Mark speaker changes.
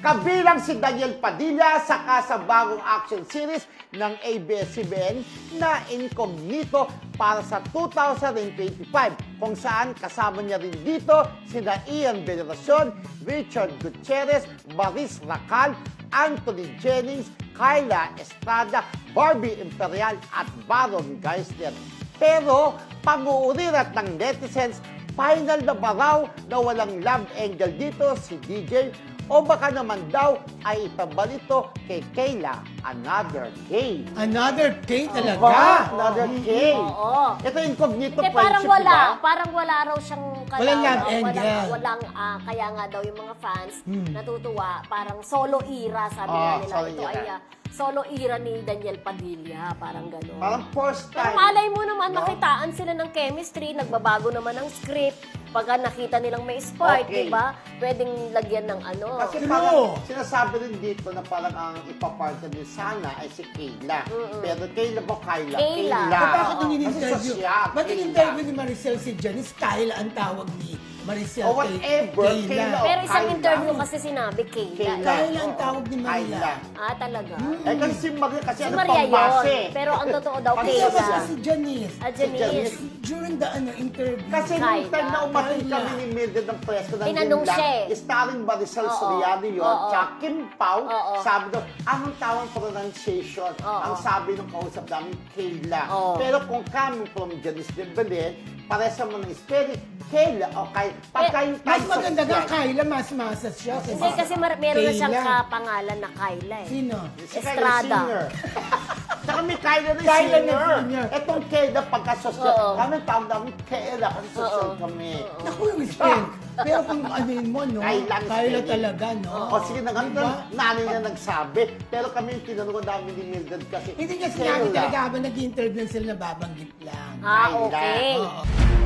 Speaker 1: Kabilang si Daniel Padilla sa bagong action series ng ABS-CBN na Incognito para sa 2025 kung saan kasama niya rin dito sina Ian Veneracion, Richard Gutierrez, Maris Racal, Anthony Jennings, Kyla Estrada, Barbie Imperial at Baron Geisler. Pero pag-uurirat ng netizens, final na ba raw na walang love angle dito si DJ o baka naman daw ay ipabalito kay Kayla, another K.
Speaker 2: Another K talaga?
Speaker 1: Ba? Another K.
Speaker 3: Oo.
Speaker 1: Ito Incognito
Speaker 3: Hindi,
Speaker 1: friendship,
Speaker 3: parang wala raw siyang
Speaker 2: Walang love angle.
Speaker 3: Kaya nga daw yung mga fans natutuwa, parang solo era, sabi nga nila.
Speaker 1: solo
Speaker 3: Ito
Speaker 1: era.
Speaker 3: ay solo era ni Daniel Padilla, parang gano'n.
Speaker 1: Parang first
Speaker 3: Pero
Speaker 1: time.
Speaker 3: malay mo naman,
Speaker 1: no?
Speaker 3: makitaan sila ng chemistry, nagbabago naman ng script. Pagka nakita nilang may spark,
Speaker 1: Okay.
Speaker 3: diba? Pwedeng lagyan ng ano.
Speaker 1: Kasi
Speaker 2: True.
Speaker 1: parang sinasabi rin dito na parang ang ipapartner din sana ay si Kayla. Pero Kayla ba Kayla?
Speaker 3: Kayla.
Speaker 2: Eh, bakit nung
Speaker 1: Kasi
Speaker 2: in-interview?
Speaker 1: sa siya,
Speaker 2: Ba't
Speaker 1: Kayla.
Speaker 2: in-interview ni Maricel si Janice? Kyle ang tawag ni Maricel
Speaker 1: O whatever, Kayla.
Speaker 3: Pero isang
Speaker 1: Kayla.
Speaker 3: interview kasi sinabi, Kayla.
Speaker 1: Kayla.
Speaker 2: Kyle ang tawag ni Maria.
Speaker 1: Kayla.
Speaker 3: Ah, talaga?
Speaker 1: Eh kasi si Maria, kasi
Speaker 3: Si
Speaker 1: ano
Speaker 3: Maria
Speaker 1: pambase.
Speaker 3: yun. Pero ang totoo daw,
Speaker 1: Pag
Speaker 2: Kaya
Speaker 3: Kayla.
Speaker 2: si Janice.
Speaker 3: Ah, Janice.
Speaker 1: Janice.
Speaker 2: During the interview.
Speaker 1: Kasi nung
Speaker 3: Kayla.
Speaker 1: time na umating
Speaker 2: Kayla.
Speaker 1: kami ni Mildred ng presko ng
Speaker 3: Tinanong
Speaker 1: Yun Lang,
Speaker 3: siya eh.
Speaker 1: starring Maricel
Speaker 3: Oo.
Speaker 1: Soriano yun,
Speaker 3: Oo.
Speaker 1: tsaka Kim Pao,
Speaker 3: Oo.
Speaker 1: sabi daw, anong tawang pronunciation?
Speaker 3: Oo.
Speaker 1: Ang sabi ng kausap namin, Kayla.
Speaker 3: Oo.
Speaker 1: Pero kung coming from Janice de Belen, paresa mo ng spelling, Kayla, o kay, pagka yung
Speaker 2: Mas
Speaker 1: time
Speaker 2: maganda
Speaker 1: sa-
Speaker 2: nga Kyla, mas masas siya.
Speaker 3: Hindi, kasi meron na siyang
Speaker 2: Kayla.
Speaker 3: kapangalan na Kayla eh.
Speaker 2: Sino?
Speaker 1: Si Kyla
Speaker 3: Estrada.
Speaker 1: Singer. Tsaka may Kyla na
Speaker 2: Kyla na
Speaker 1: singer.
Speaker 2: singer.
Speaker 1: Etong Kayla pagka-social.
Speaker 3: Oo.
Speaker 1: Kami tawag namin Kayla kasi social kami.
Speaker 2: Naku, respect. Pero kung ano yun mo, no?
Speaker 1: Kyla ang
Speaker 2: Kyla
Speaker 1: spelling.
Speaker 2: talaga, no?
Speaker 1: O sige na nga,
Speaker 2: Diba?
Speaker 1: nanay na nagsabi. Pero kami yung tinanong namin ni Mildred kasi.
Speaker 2: Hindi niya sinabi
Speaker 1: Kayla.
Speaker 2: talaga habang nag-interview sila, nababanggit lang.
Speaker 3: Ah,
Speaker 1: Kayla.
Speaker 3: okay.
Speaker 2: Oo.